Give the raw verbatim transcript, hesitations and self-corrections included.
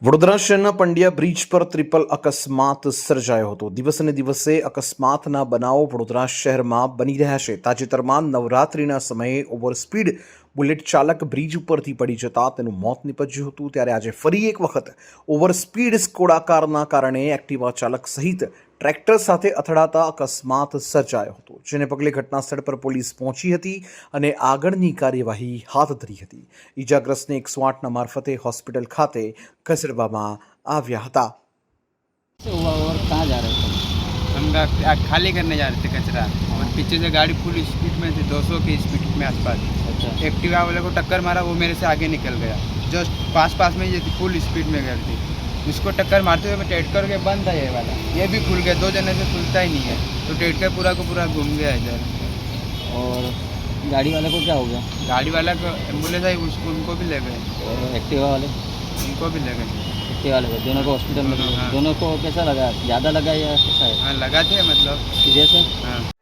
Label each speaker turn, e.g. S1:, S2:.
S1: વડોદરા શહેરના પંડ્યા બ્રિજ પર ટ્રિપલ અકસ્માત સર્જાયો હતો. દિવસે ને દિવસે અકસ્માતના બનાવો વડોદરા શહેરમાં બની રહ્યા છે. તાજેતરમાં નવરાત્રિના સમયે ઓવરસ્પીડ બુલેટ ચાલક બ્રિજ ઉપરથી પડી જતા તેનું મોત નીપજ્યું હતું. ત્યારે આજે ફરી એક વખત ઓવરસ્પીડ સ્કોડા કારના કારણે એક્ટિવા ચાલક સહિત ટ્રેક્ટર સાથે અથડાતા અકસ્માત સર્જાયો હતો, જેને પગલે ઘટનાસ્થળ પર પોલીસ પહોંચી હતી અને આગળની કાર્યવાહી હાથ ધરી હતી. ઈજાગ્રસ્તને એકસો આઠના મારફતે હોસ્પિટલ ખાતે ખસેડવામાં આવ્યા હતા.
S2: से हुआ और कहाँ जा रहे थे?
S3: हम गा- आ- खाली करने जा रहे थे कचरा और पीछे से गाड़ी फुल स्पीड में थी, दो सौ की स्पीड में आसपास.
S2: अच्छा,
S3: एक्टिवा वाले को टक्कर मारा, वो मेरे से आगे निकल गया. जस्ट पास पास में ये थी, फुल स्पीड में गई थी. उसको टक्कर मारते हुए मैं टेटकर के बंद था ये वाला, ये भी खुल गया. दो जने से खुलता ही नहीं है, तो टेटकर पूरा को पूरा घूम गया इधर.
S2: और गाड़ी वाले को क्या हो गया?
S3: गाड़ी वाला को एम्बुलेंस आई, उसको उनको भी ले गए,
S2: और एक्टिवा वाले
S3: उनको भी ले गए.
S2: एक्टिवा वाले को दोनों को हॉस्पिटल में
S3: हाँ, हाँ।
S2: दोनों को कैसा लगा? ज़्यादा लगा या कैसा है?
S3: हाँ लगा थे मतलब.
S2: सीरियस है?
S3: हाँ